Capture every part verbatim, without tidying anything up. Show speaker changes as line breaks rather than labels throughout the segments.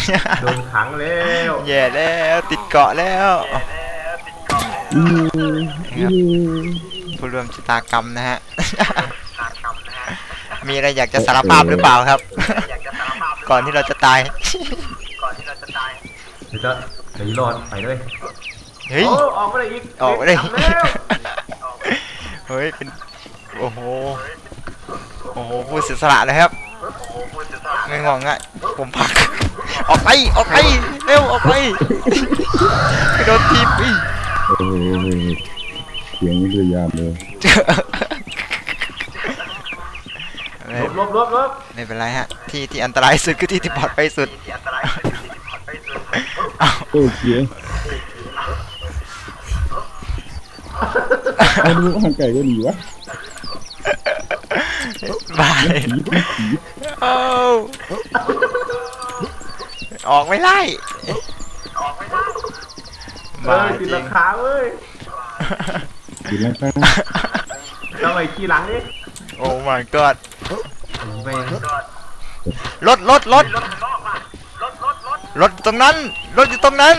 โดนขังแล้ว
แย่แล้วติดเกาะแล้วครับผู้ร่วมชะตากรรมนะฮะมีอะไรอยากจะสารภาพหรือเปล่าครับก่อนที่เราจะตาย
เดี๋ยวจะเดี๋ยวรอดไปเลย
เฮ้ย
ออกมาได้อีก
ออกมาได้เฮ้ยเป็นโอ้โหโอ้โหผู้เสียสละเลยครับไม่งงอ่ะผมพักออกไปออกไปเร็วออกไปไปโดนทีบอี
เสียงนี่คือยามเลย
ลบลบลบ
ไม่เป็นไรฮะที่ที่อันตรายสุดคือที่ที่ปลอดภัยสุด
โอ้เสียเอาดูห่างไก่ก็ดีวะ
บายโอ้ออกไม่ไล่
เออติดราคาเว้ย
ติดราคา
ทำไมขี้หลังนี่
โอ้ my god รถรถรถรถตรงนั้นรถอยู่ตรงนั้น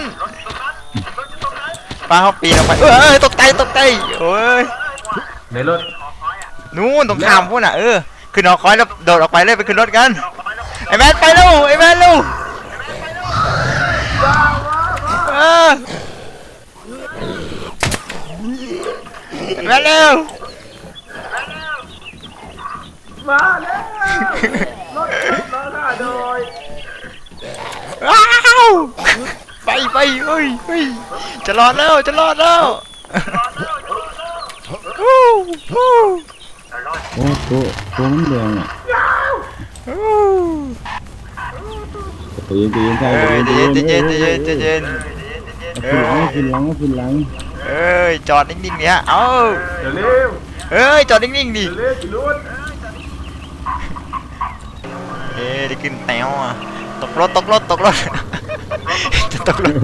ป้าเขาปีนออกไปเอ้ยตกใจตกใจโอ้ย
ในรถ
นู้นตรงข้ามพูดน่ะเออขึ้นหอคอยแล้วโดดออกไปเลยไปขึ้นรถกันไอ้แมนไปลูกไอ้แมนลูกเออแมนเร็ว
มาแล้วรถรถมาโดย
ว้าวไปไปเฮ้ยเฮ้ยจะรอดแล้วจะรอดแล้ว
โอ้ตัวตัวมันแดงอ่ะเย็นเย็นใช่
เย็นเย็นเย็นเย็นเย็น
ขึ้นหลังขึ้นหลัง
เอ้ยจอดนิ่งๆเนี่ยเอา
เร็ว
เอ้ยจอดนิ่งๆดิ
เร็วจิรุด
เอ้ยได้ขึ้นแถวอ่ะตกรถตกรถตกรถจะตกรถ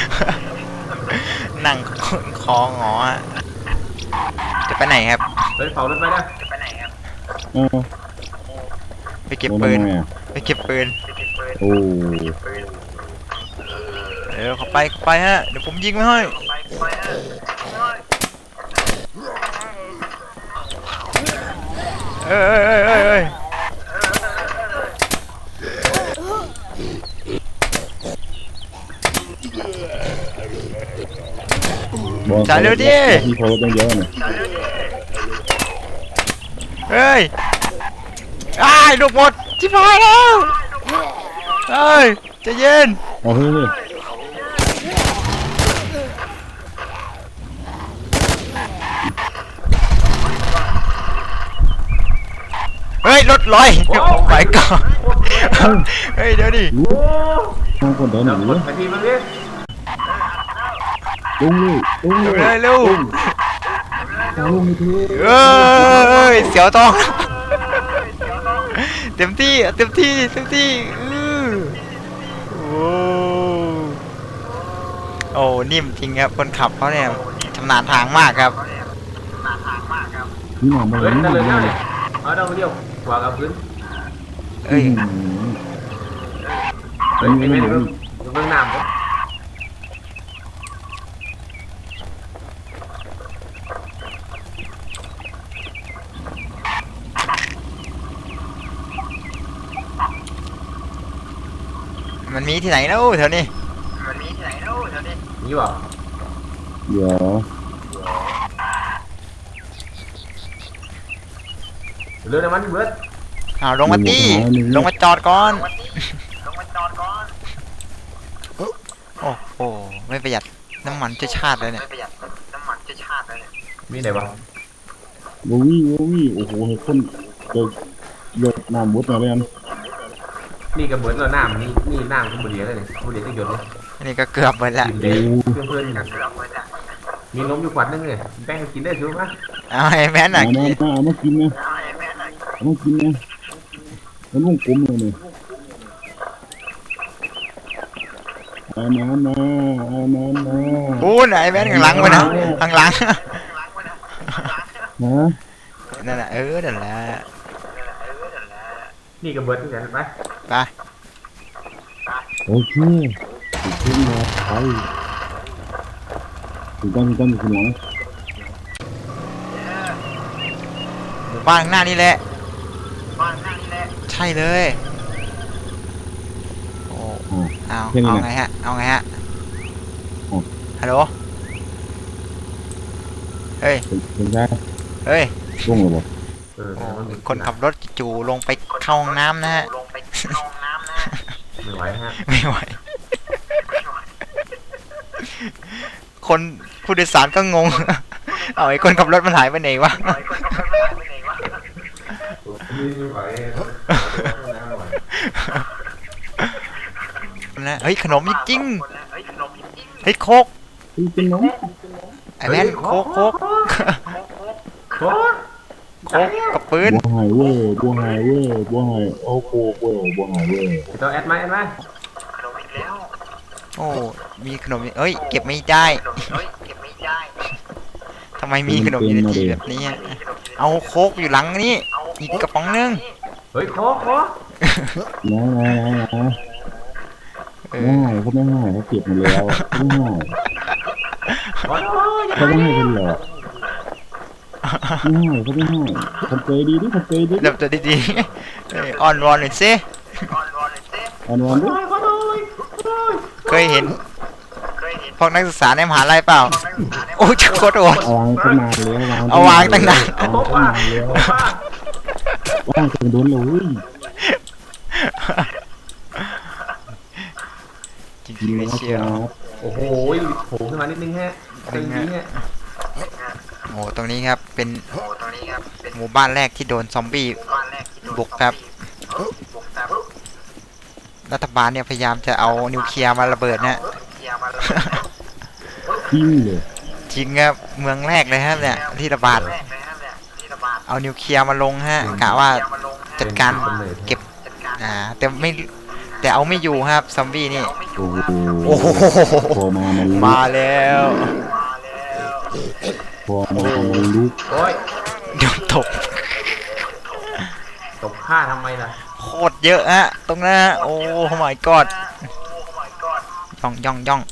นั่งคอหงอจะไปไหนครับ
ไปเผารถไปนะจะไปไหนครับ
ไปเก็บปืนไปเก็บปืน
โอ้
เดี๋ยวเข้าไปเข้าไปฮะเดี๋ยวผมยิงไม่ให้เอ้ยเอ้ยเอ้ยเอ้ยจ่ายเร็วดิ
ที่โพสต้องเยอะเนี่ย
เฮ้ยอ้ายลูกหมดชิบหายแล้วเฮ้ยใจเย็น
เอาเฮ้ย
เฮ้ยรถลอยโอ้ไปก่อนเฮ้ยเดี๋ยวดิ
ทางคนเดินหนี
ไปทีมันดิ
ลุงเลยลุง
เลยลุง
ลุงที
เอ้ยเสียวทองเต็มที่เต็มที่เต็มที่โอ้โอ้นิ่มจริงครับคนขับเขาเนี่ยชำนาญทางมากครับ
นี่หนอนมาเลยนี่หนอนเลย
เอาดาวเดียวกว่ากับพื้น
เอ้ย
เฮ้ยไม่ได้เบื้องน้ำครับ
มันมีที่ไหนแล้วแถวนี้มันมีที่ไหนแล้วแถวนี้
นี่วะ
เดี๋ยว
เรือน้ำมันเบิด
อ้าวลงมาตีลงมาจอดก่อนลงมาจอดก่อนโอ้โหไม่ประหยัดน้ำมันจะชาติเลยเนี่ยไม่ประหยัดน้ำมันจะชาติเลยเนี่ย
มีไหนบ้าง
โว้ยโว้ยโอ้โหเห็นคนเดือดเดือดน้ำมุดมาเลยอัน
นี่ก็เบิดแล้วน้ำนี่นี่น้ำก็บุหรี่เลยเนี่ยบุหรี่ก็หยดเลย
นี่ก็เกือบหมดละ
เพื่อนเพื่อนมีนมอยู่ขวดนึงเลยแป้งกินได้ใช่ไหม
เอาไอ้แม่น่ะ
กินเอามากินนะเอามากินนะมันวงกลมเลยเนี่ยมามามามามา
ปูนไอ้แม่ข้างหลังไปนะข้างหลัง
นะ
นั่นแหละเออนั่นแหละ
นี่ก็เบิดที่ไหนไป
ไป
โอเคถึงขึ้นมาไปถึงต้นถึงต้นถึงหลัง
หมู่บ้านข้างหน้านี่แหละใช่เลยโอ้
อ่า
เอา
แค่นี้
เอา
นะ
ไงฮะเอาไงฮะ
อ๋อ
ฮัลโหลเฮ้ย
เป็นเป็นได้
เฮ้ย
ช่วงระบบ
เออ
โอ้
มันมี
คนขับรถจู่ๆลงไปเข้าห้องน้ำนะฮะ
ไม่ไหวฮะ
ไม่ไหว คนผู้โดยสารก็งง เอาไอ้คนขับรถมันหายไปไหนวะ
ไม่ไหวไม่ไหว
นะเฮ้ยขนมจริงๆเฮ้ยโคก
เป็นน้อง
ไอ้แมนโคกโคก
โค้ด
โคกกับปืน
บัวหายเว้ยบัวหายเว้ยบัวหายโอ้โหเว้ยบัวหายเว้ย
ตัวแอดไหมแอดไหม
โอ้มีขนมเอ้ยเก็บไม่ได้ทำไมมีขนมอยู่ในที่แบบนี้อะเอาโคกอยู่หลังนี่อีกกระป๋องนึง
เฮ้ยโค้ดโค้ด
นะนะนะนะ
เอ
ไม่
อ
ให้เขาไม่ให้เขาเก็บมาแล้วไม่ให้
โอ้ย
เขาไม่ให้เป็นหรอกไม่ให้เขาไม่ให้ทำใจดีดิทำใจดี
เริ่มตัวดีๆเอ้ยอ่อนวอนหน่อยสิ
อ่อนวอนดิ
เคยเห็นพวกนักศึกษาในมหาลัยเปล่าโอ้ยโคตรโอด
เอาวางตั้งนานแล้ว
เอาวางตั้งนาน
เอาวางตั้งนานแล้วว่างจนโดนเลย
จริงๆเลยเชียว
โอ้โหโผล่ขึ้นมานิดนึงฮะตึงนี้ฮะ
โอ้ตรงนี้ครับเป็นหมู่บ้านแรกที่โดนซอมบี้บุกครับรัฐบาลเนี่ยพยายามจะเอานิวเคลียร์มาระเบิดนะ
จริงเลย
จริงครับเมืองแรกเลยครับเนี่ยที่ระบาดเอานิวเคลียร์มาลงฮะกะว่าจัดการเก็บอ่าแต่ไม่แต่เอาไม่อยู่ครับซอมบี้นี่
โอ้โห
โอ้โห
พอมามันลุก
มาแล้ว
พอมามันลุก
โอ้ย
โดนตก
ตบฆ่าทำไมล่ะ
โคตรเยอะฮะตรงนั้นฮะโอ้ my god ย่องย่องย่อง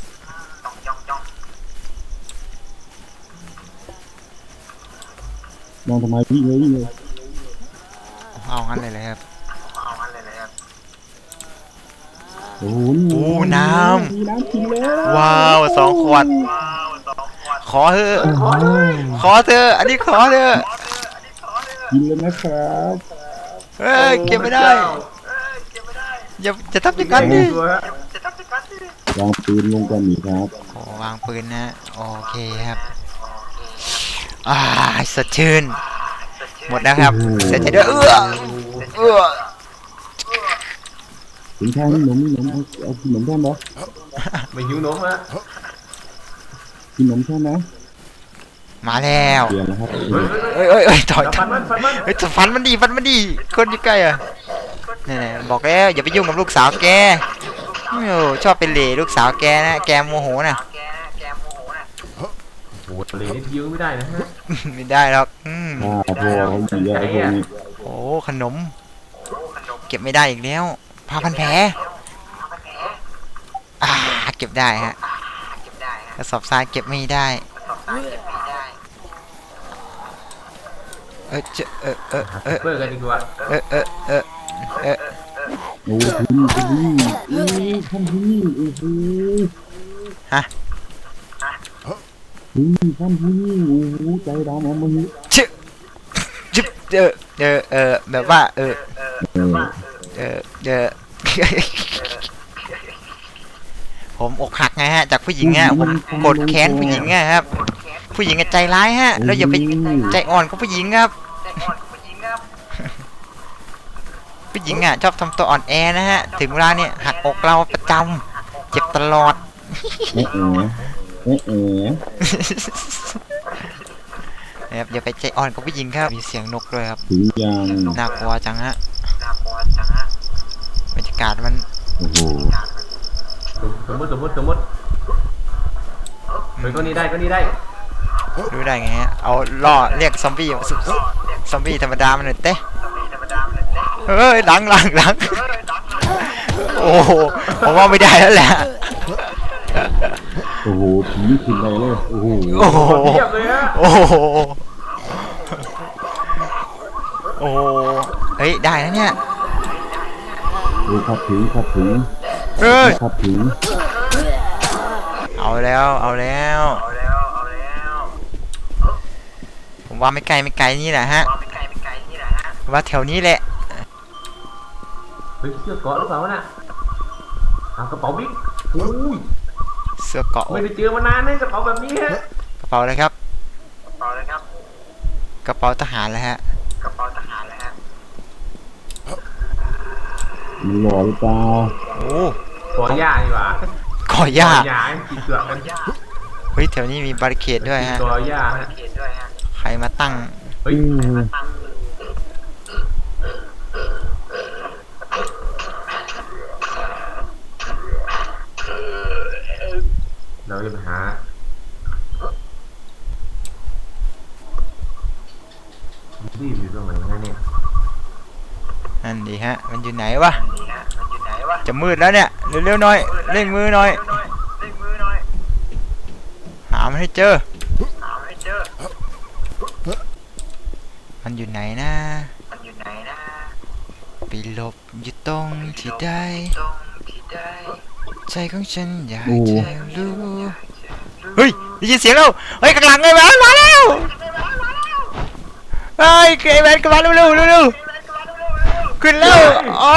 มองทำไมวิ่งเลยวิ่งเลย
เอางั้นเลยเลยครับ
โอ้โห
โอ้น้
มีน้ำกินแล้ว
ำว้าวสองขวดขอเถอะ
โอ้โห
ขอเถอะอันนี้ขอเถอะ
กินแล้วนะครับ
เฮ้ยเก็บไม่ได้อย่าจะทำอย่างนั้นดิ
ตัวฮะ
วางปืนลงก่อนนี่ครับ
โอ้วางปืนนะโอเคครับอ่าสดชื่นหมดแล้วครับเสร็จด้วยเอื้อเอื้อ
ถึงทางนี่หนมนี่หนมเอาเอากินหนมแท่นเหรอ
ไม่หิวนมฮะ
กินหนมแท่นนะ
มาแล้ว
เปลี่ยนแล้วครับ
เฮ้ย
เอ้ยเอ้ยเอ้ยถอย
ฟันมันฟันมัน
เฮ้ยฟันมันดีฟันมันดีคนอยู่ใกล้อ่ะนี่ๆบอกแล้วอย่าไปยุ่งกับลูกสาวแกโอ้ชอบเป็นเหล่ลูกสาวแกนะแกโมโหนะ
โอ้โหเลยนี่ยื้อไม่ได้นะฮะ
ไม่ได้หรอกอืม
อ่าพอเขาดีแล้วไอ้พวกนี้
โอ้ขนม เก็บไม่ได้อีกแล้วผ้าพันแผลอ่าเก็บได้ฮะกระสอบทรายเก็บไม่ได้เออเจอเออเออเออ
เปิดกันดีกว่า
เออเออเออเออ
โอ้ที่นี่ที่นี่โอ้ท่านที่นี่โอ้โห
ฮะ
ที่นี่ท่านที่นี่โอ้โหใจดำเอามาหิ
ชึจึบเออเออเออแบบว่าเออ
เออ
เออเออ ผมอกหักไงฮะจากผู้หญิงฮะผมโกรธแค้นผู้หญิงไงครับ ผู้หญิงอะใจร้ายฮะแล้วอย่าไปใจอ่อนกับผู้หญิงครับ ผู้หญิงอ่ะชอบทำตัวอ่อนแอนะฮะถึงเวลาเนี่ยหักอกเราประจำเจ็บตลอด
เอ๊ะเอ๊ะเอ๊ะ
นะครับอย่าไปใจอ่อนกับผู้หญิงครับมีเสียงนกด้วยครับ
ถึงยัง
น่ากลัวจังฮะบรรยากาศมัน
โอ้โห
สมมติสมมติสมมติเฮ้ยก็นี่ได้ก็นี่ได้
รู้ได้ไงฮะเอาล่อเรียกซอมบี้ซอมบี้ธรรมดามันหน่อยเต้เฮ้ยหลังหลังหลังโอ้โอ้โหผมว่าไม่ได้แล้วแหละ
โอ้โหผีขึ้นไปเลยโอ้โห
โอ้โห
เทียบเลยฮะ
โอ้โหโอ้โหเฮ้ยได้แล้วเนี่ย
โอ้ขับถึงขับถึง
เฮ้ย
ขับถึง
เอาแล้วเอาแล้วผมว่าไม่ไกลไม่ไกลนี่แหละฮะว่าแถวนี้แหละ
เฮ้ยเสื้อเกาะหรือเปล่าวะน่ะเอากระเป๋าบิ๊กอุ้ย
เสื้อเกราะ
ไม่ได้เจอมานานเลยกระเป๋าแบบนี้ฮะ
กระเป๋าเลยครับกระเป๋าทหารแล้วฮะ
มีหล่อหรือเปล่า
โอ้
ขอหญ้าดีกว่า
ก่อหญ้า
หญ้ากินเกลือกัน
เฮ้ยแถวนี้มีบาริเคดด้วยฮะ
ขอหญ้าฮะ
ใครมาตั้ง
เฮ้ย
อืม
เราจะไปหาที่อยู่ตรงไหนนะเนี่ย
นั่นดีฮะมันอยู่ไหนวะจะมืดแล้วเนี่ยเร็วๆหน่อยเร่งมือหน่อยหามันให้เจอมันอยู่ไหนนะไปหลบอยู่ตรงที่ใดใจของฉันอยากจะรู้เฮ้ยได้ยินเสียงแล้วเฮ้ยข้างหลังไอ้แมนมาแล้วเฮ้ยไอ้แมนกลับมาเร็วๆเร็วๆขึ้นแล้วอ๋อ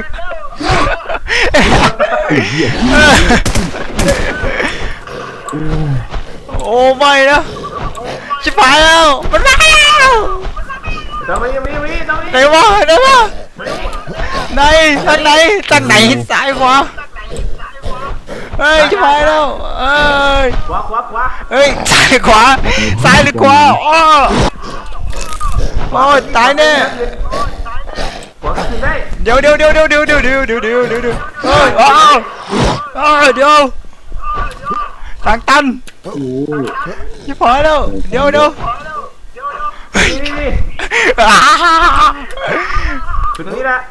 โอ้ไม่นะชิบหายแล้วมันมาแล้ว
ตรงนี้ตรงนี้ตรงนี้ตรงนี้
ไหนวะไหนวะไหนทางไหนทางไหนซ้ายขวาเฮ้ยชิบหายแล้วเอ้ย
ขวาขวาขวา
เฮ้ยซ้ายขวาซ้ายหรือขวาอ้อโอ้ยตายแน่
ขวาขึ้นได้
เดี๋ยวเดี๋ยวเดี๋ยวเดี๋ยวเดี๋ยวเดี๋ยวเดี๋ยวเดี๋ยวเดี๋ยวเดี๋ยวเดี๋ยวเฮ้ยอ้าวอ้าวเดี๋ยวทางตัน
โอ้ย
ชิบหายแล้วเดี๋ยวเดี๋ยว
นี่นี่นี่
อ้า
คือตรงนี้ละ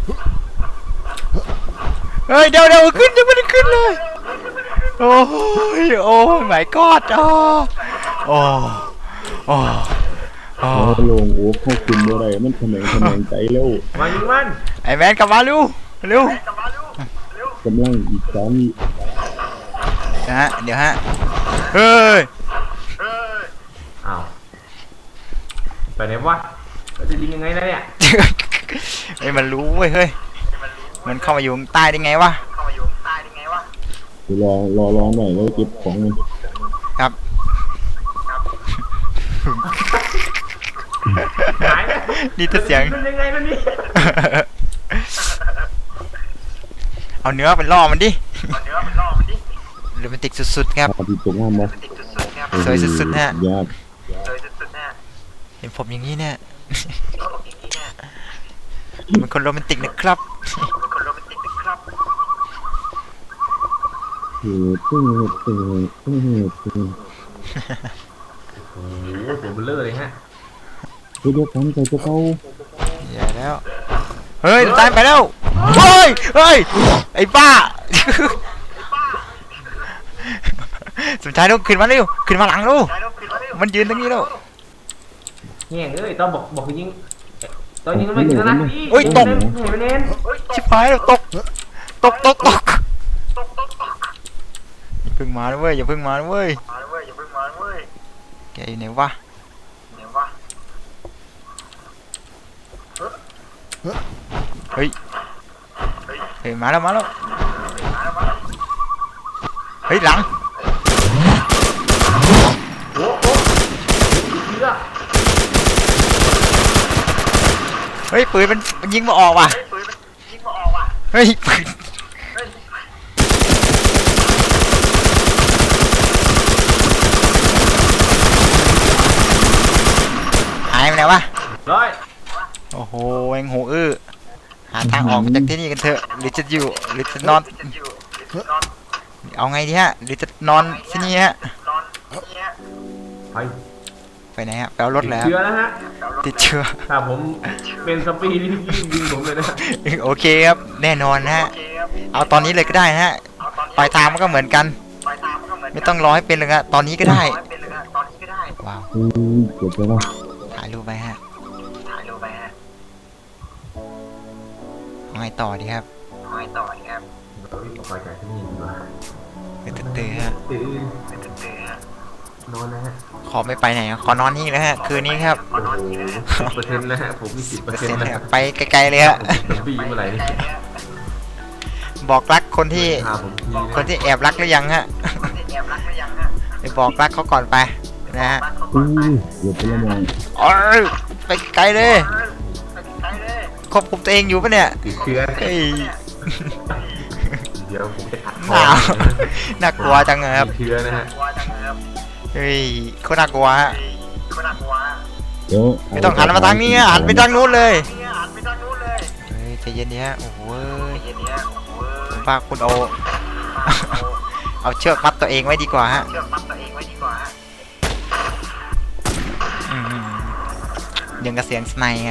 เฮ้ยเดี๋ยวเดี๋ยวขึ้นยังไม่ได้ขึ้นเลยโอ้ยโอ้ my god อ๋อโอ้โอ้โอ้
พอลงโอ้เข้าคุมอะไรมันแขมงแขมงใจแล้ว
มายิงมัน
ไอ้แมนกลับมาเร็วเร็ว
กำลังอีกสาม
นะฮะเดี๋ยวฮะเฮ้ย
อ้าวไปไหนวะเราจะยิงยังไงนะเนี่ย
เฮ้ยมันรู้เว้ยเฮ้ยมันเข้ามาอยู่ข้างใต้ได้ไงวะ
รอรอรอหน่อยแล้วเก็บของมัน
ครับ
หายไป
นี่แต่เสียง
มันยังไงนะนี่
เอาเนื้อไปล่อมันดิโรแมนติกสุดๆครับ
พาที่ตกน้ำมา
สวยสุดๆฮะ
ยาก
เห็นผมอย่างนี้เนี่ย เป็นคนโรแมนติกนะครับ
เออตึ้งตึ้งตึ้งตึ้ง
โอ้โหตัวเบลเลอร์เลยฮะ
เดี๋ยวกันใจจะเข้า
อย่าแล้ว เฮ้ยตายไปแล้ว เฮ้ย เฮ้ย ไอ้บ้า สุดท้ายต้องขึ้นมาเร็ว ขึ้นมาหลังลูกมันยืนตรงนี้แล้ว
แง่งเอ้ยตอนบอกบอกให้ยิงตอนยิงมันไม่ถึงนะพี่
โอ้ยตก
เห็นไหมเน้น
ชิบหายแล้วตก ตกตกตกอย่าเพิ่งมานะเว้ย อย่าเพิ่งมานะเว้ยแกอยู่ไหนวะ เฮ้ย เฮ้ย มาแล้ว มาแล้ว เฮ้ย หลัง
โอ้โหเชื่อ
เฮ้ย ปืนมันมันยิงมาออกว่ะ เฮ้ย ปืนหายไปไหนวะ
ร้อย
โอ้โหเองโหอื้อหาทางออกจากที่นี่กันเถอะหรือจะอยู่หรือจะนอนเอาไงดีฮะหรือจะนอนที่นี่ฮะ
ไป
ไปไหนฮะไปเอารถแล้ว
เชื้อแล้วฮะ
ติดเชื้อ
ถ้าผมเป็นสปีดนี่ยิงยิงผมเลยนะ
โอเคครับแน่นอนฮะเอาตอนนี้เลยก็ได้นะฮะปลายทางมันก็เหมือนกัน ไม่ต้องรอให้เป็นเลยฮะตอนนี้ก็ได้ว้าว
อืมเกือบไปแล้ว
ถ่ายรูปไปฮะเอาไงต่อดีครับ
เราวิ่งออกไปจากที่นี่ดีกว่า
ตื่นตื่นฮะ
ตื่นนอนนะฮะ
ขอไม่ไปไหนขอนอนนี่แล้วฮะคืนนี้ครับ
โอ้โหสิบเปอร์เซ็นต์นะฮะผมมีสิบเปอร์เซ็นต์นะฮะ
ไปไกลๆเลยฮะ
ผมบี้เมื่อไหร่นี่
บอกรักคนที่
พาผมทีะ
คนที่แอบรักหรือยังฮะไปบอกรักเขาก่อนไปนะฮะ
อืมเกือบไปแล้วมอง
โอ้ยไปไกลเลยควบคุมตัวเองอยู่ปะเนี่ย
ติดเชื้อ
เฮ้ย
เดี๋ยวผมจะอัด
หนาวน่ากลัวจังเลยครับ
ติดเชื้อนะฮะ
เฮ้ยโคตรน่ากลัวฮะ
เดี๋ยว
ไม่ต้องหันมาทางนี้ฮะหันไปทางนู้นเลยเฮ้ยใจเย็นนี้ฮะโอ้โหผมว่าคุณเอาเอาเชือกมัดตัวเองไว้ดีกว่าฮะอืมยังกระเสียงสไนครับ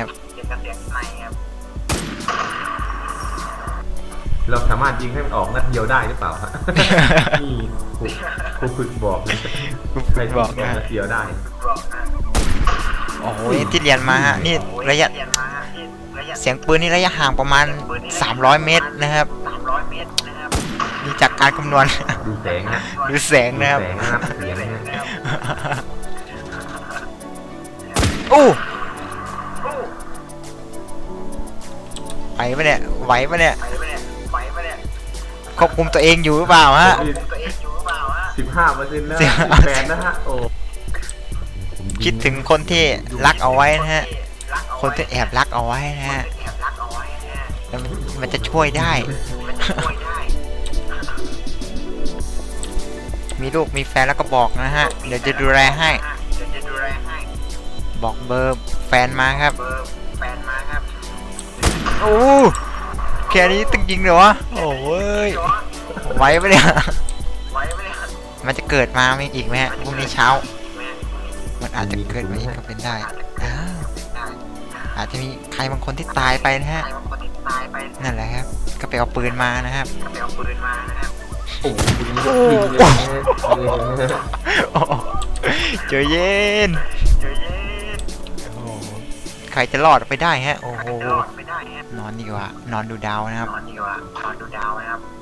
เราสามารถยิงให้มันออกนัดเดียวได้หรือเปล่าฮะ นี่ครูครูฝึกบอกนะใคร
บอก
นะ
นะ
นัดเดียวได้
โอ้โหที่เรียนมาฮะนี่ระยะเสียงปืนนี่ระยะห่างประมาณสามร้อยเมตรนะครับนี่จากการคำนวณ
ดูแสงนะ
ดูแสงนะครับ
แสงนะครับเสียงนะฮะ
อู้ไหวปะเนี่ยไหวปะเนี่ยควบคุมตัวเองอยู่หรือเปล่าฮะ
สิบห้าเปอร์เซ็นต์นะ
สิ
สิ
บบ ห้า
แปดนะฮะโอ้
คิดถึงคนที่รักเอาไว้นะฮะคนที่แอบรักเอาไว้นะฮะแล้วมันมันจะช่วยได้ มีลูกมีแฟนแล้วก็บอกนะฮะเดี๋ยวจะดูแลให้ บอกเบอร์แฟนมาครับโอ้แค่นี้ตึงจริงเหรอวะโอ้ยไหวปะเนี่ยมันจะเกิดมาไหมอีกไหมฮะพรุ่งนี้เช้า มันอาจจะเกิดมาอีกก็เป็นได้อ้าวอาจจะมีใครบางคนที่ตายไปนะฮะนั่นแหละครับก็ไปเอาปืนมานะครับ
โอ้โหคุณนี่ก็ยิงเลยนะฮะเออ
โอ้เจอเย็นโอ้ใครจะรอดไปได้ฮะโอ้โหนอนดีกว่านอนดูดาวนะครับ